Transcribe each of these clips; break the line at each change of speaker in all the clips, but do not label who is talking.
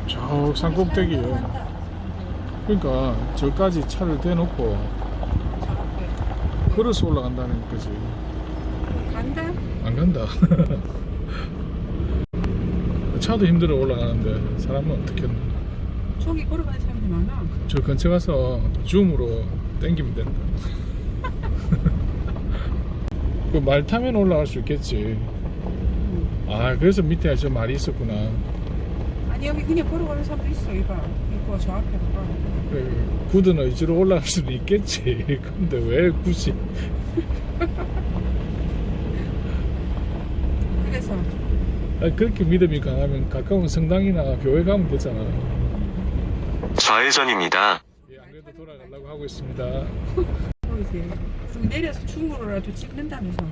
저 산꼭대기에. 그러니까 저까지 차를 대놓고 걸어서 올라간다는 거지.
간다?
안 간다. 차도 힘들어 올라가는데 사람은 어떻게?
저기 걸어가는 사람들 많아.
저 근처 가서 줌으로 땡기면 된다. 그 말 타면 올라갈 수 있겠지. 아, 그래서 밑에 저 말이 있었구나.
아니 여기 그냥 걸어가는 사람도 있어. 이봐. 이거 저 앞에 봐.
그 굳은 의지로 올라갈 수도 있겠지. 근데 왜 굳이?
그래서
아니, 그렇게 믿음이 강하면 가까운 성당이나 교회 가면 되잖아.
좌회전입니다.
예, 안 그래도 돌아가려고 하고 있습니다.
거기서 좀 내려서 줌으로라도 찍는다면서.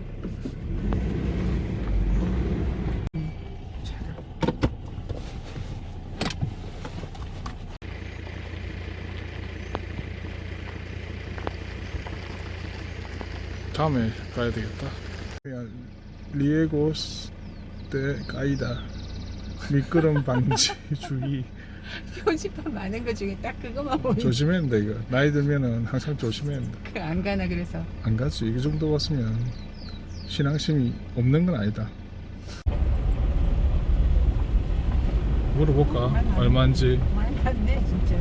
다음에 가야 되겠다. 리에고스 대 가이다. 미끄럼 방지 주의.
표지판 많은 거 중에 딱 그거만 보이네.
조심해야 돼 이거. 나이 들면은 항상 조심해야 돼.
안 가나 그래서.
안 가지. 이 정도 왔으면 신앙심이 없는 건 아니다. 물어볼까? 얼마인지.
많이 갔네 진짜.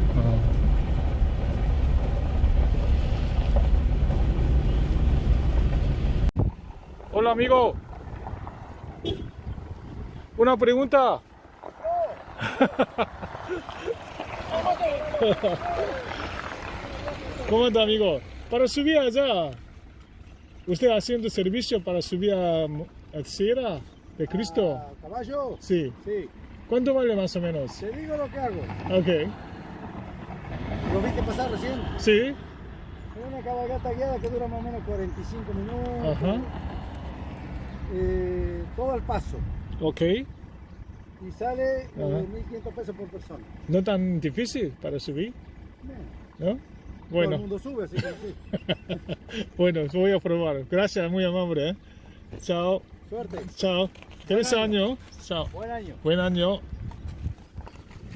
Hola amigo. Una pregunta. ¿Cómo anda amigo? Para subir allá, ¿usted haciendo servicio para subir a Sierra de Cristo?
¿Caballo?
Sí.
Sí.
¿Cuánto vale más o menos?
Te digo lo que hago.
Ok.
¿Lo viste pasar recién?
Sí.
Es una cabalgata guiada que dura más o menos 45 minutos.
Ajá.
Todo al paso.
Ok.
Y sale
Ajá.
1.500 pesos por persona.
No tan difícil para subir, ¿no?
Todo el
Bueno.
mundo sube, así que sí.
Bueno, voy a probar. Gracias, muy amable. Chao.
Suerte.
Chao. Feliz año. Chao.
Buen año.
Buen año.